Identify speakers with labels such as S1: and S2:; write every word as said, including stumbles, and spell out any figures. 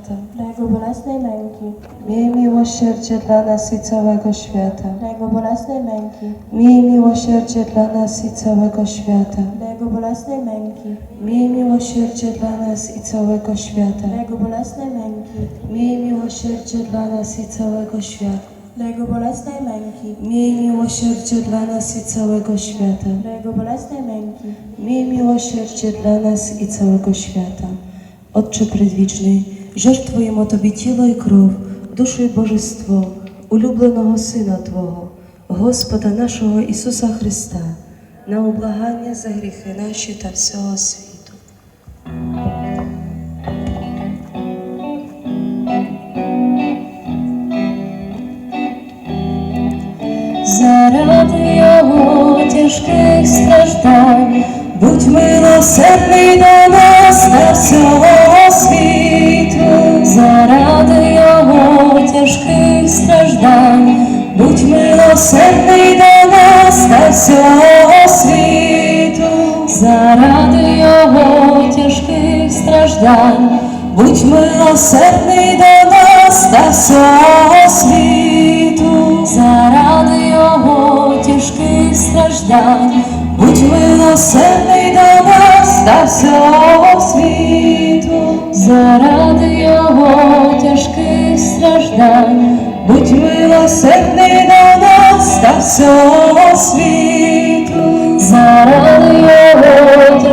S1: świata.
S2: dla Jego bolesnej męki,
S1: Miej miłosierdzie dla nas i całego świata.
S2: dla Jego bolesnej męki,
S1: Miej miłosierdzie dla nas i całego świata.
S2: dla Jego bolesnej męki,
S1: Miej miłosierdzie dla nas i całego świata.
S2: dla Jego bolesnej męki,
S1: Miej miłosierdzie dla nas i całego świata.
S2: dla Jego bolesnej męki,
S1: Miej miłosierdzie dla nas i całego świata.
S2: dla Jego bolesnej męki,
S1: Miej miłosierdzie dla nas i całego świata. Отче предвічний, жертвуємо Тобі тіло і кров, душу і божество, улюбленого Сина Твого, Господа нашого Ісуса Христа, на облагання за гріхи наші та всього світу.
S3: Заради Його тяжких страждань, будь милосердний до нас та всього світу. Заради Його тяжких страждань, будь милосердний до нас та всього світу. Заради Його тяжких страждань, будь милосердний до нас та всього світу. Заради Його тяжких страждань, будь милосердний до нас та всього світу. Заради Його тяжких страждань, будь милосердний до нас та всього світу. Заради